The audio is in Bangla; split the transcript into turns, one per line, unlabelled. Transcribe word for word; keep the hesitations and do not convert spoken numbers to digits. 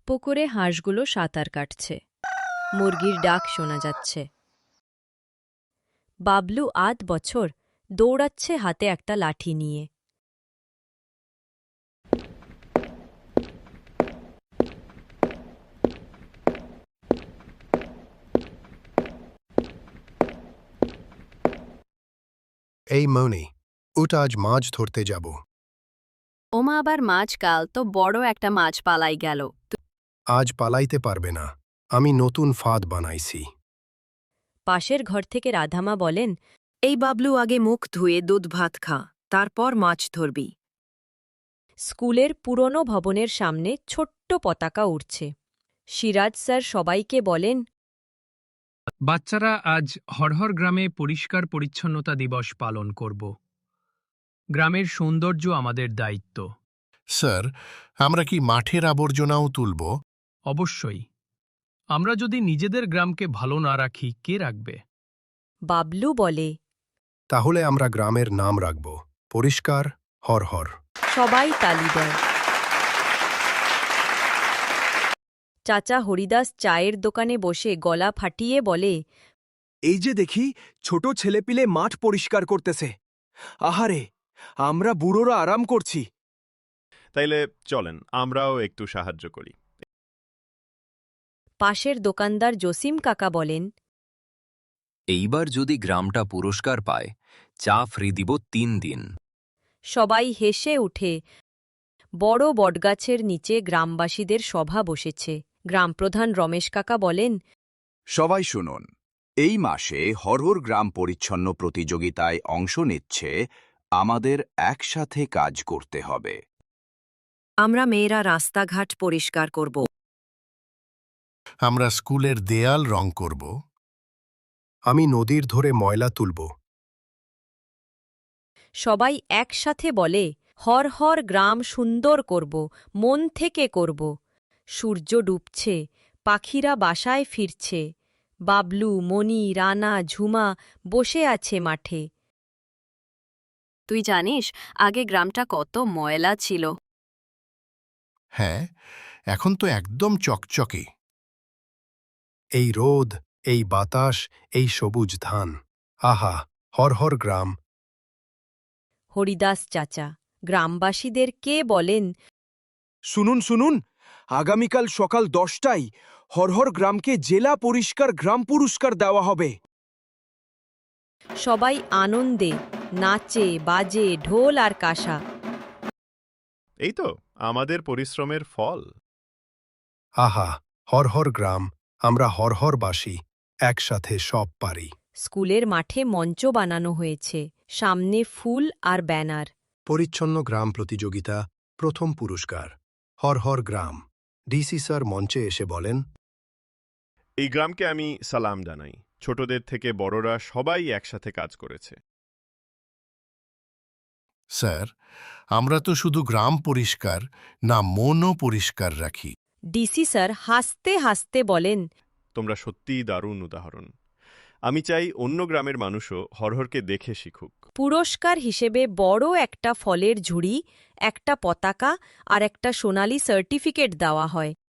পুকুরে হাঁসগুলো সাঁতার কাটছে। মুরগির ডাক শোনা যাচ্ছে। বাবলু আট বছর দৌড়াচ্ছে হাতে একটা লাঠি নিয়ে।
এই মনি, উঠ, আজ মাছ ধরতে যাব।
ওমা, আবার মাছ? কাল তো বড় একটা মাছ পালাই গেল।
আজ পালাইতে পারবে না, আমি নতুন ফাঁদ বানাইছি।
পাশের ঘর থেকে রাধামা বলেন,
এই বাবলু, আগে মুখ ধুয়ে দুধ ভাত খা, তারপর মাছ ধরবি।
স্কুলের পুরনো ভবনের সামনে ছোট্ট পতাকা উড়ছে। সিরাজ স্যার সবাইকে বলেন,
বাচ্চারা, আজ হরহর গ্রামে পরিষ্কার পরিচ্ছন্নতা দিবস পালন করব। গ্রামের সৌন্দর্য আমাদের দায়িত্ব।
স্যার, আমরা কি মাঠের আবর্জনাও তুলব?
অবশ্যই। আমরা যদি নিজেদের গ্রামকে ভালো না রাখি, কে রাখবে?
বাবলু বলে।
তাহলে আমরা গ্রামের নাম রাখব পরিষ্কার হরহর।
সবাই তালি দেয়। চাচা হরিদাস চায়ের দোকানে বসে গলা ফাটিয়ে বলে,
এই যে দেখি, ছোট ছেলেপিলে মাঠ পরিষ্কার করতেছে। আহারে, আমরা বুড়োরা আরাম করছি।
তাইলে চলেন আমরাও একটু সাহায্য করি।
পাশের দোকানদার জসিম কাকা বলেন,
এইবার যদি গ্রামটা পুরস্কার পায়, চা ফ্রি দিব তিন দিন।
সবাই হেসে উঠে। বড় বটগাছের নিচে গ্রামবাসীদের সভা বসেছে। গ্রামপ্রধান রমেশ কাকা বলেন,
সবাই শুনুন, এই মাসে হরহর গ্রাম পরিচ্ছন্ন প্রতিযোগিতায় অংশ নিচ্ছে। আমাদের একসাথে কাজ করতে হবে।
আমরা মেয়েরা রাস্তাঘাট পরিষ্কার করব।
আমরা স্কুলের দেয়াল রং করব।
আমি নদীর ধরে ময়লা তুলব।
সবাই একসাথে বলে, হর হর গ্রাম সুন্দর করব, মন থেকে করব। সূর্য ডুবছে, পাখিরা বাসায় ফিরছে। বাবলু, মণি, রানা, ঝুমা বসে আছে মাঠে। তুই জানিস, আগে গ্রামটা কত ময়লা ছিল।
হ্যাঁ, এখন তো একদম চকচকে।
এই রোদ, এই বাতাস, এই সবুজ ধান, আহা, হরহর গ্রাম।
হরিদাস চাচা গ্রামবাসীদের কে বলেন,
শুনুন শুনুন, আগামীকাল সকাল দশটায় হরহর গ্রামকে জেলা পরিষ্কার গ্রাম পুরস্কার দেওয়া হবে।
সবাই আনন্দে নাচে বাজে, ঢোল আর কাঁসা।
এই তো আমাদের পরিশ্রমের ফল।
আহা, হরহর গ্রাম, আমরা হরহরবাসী, একসাথে সব পারি।
স্কুলের মাঠে মঞ্চ বানানো হয়েছে, সামনে ফুল আর ব্যানার।
পরিচ্ছন্ন গ্রাম প্রতিযোগিতা, প্রথম পুরস্কার হরহর গ্রাম। ডিসি স্যার মঞ্চে এসে বলেন,
এই গ্রামকে আমি সালাম জানাই। ছোটদের থেকে বড়রা সবাই একসাথে কাজ করেছে।
স্যার, আমরা তো শুধু গ্রাম পরিষ্কার না, মনও পরিষ্কার রাখি।
ডিসি স্যার হাসতে হাসতে বলেন,
তোমরা সত্যিই দারুণ উদাহরণ। আমি চাই অন্য গ্রামের মানুষও হরহরকে দেখে শিখুক।
পুরস্কার হিসেবে বড় একটা ফলের ঝুড়ি, একটা পতাকা আর একটা সোনালি সার্টিফিকেট দেওয়া হয়।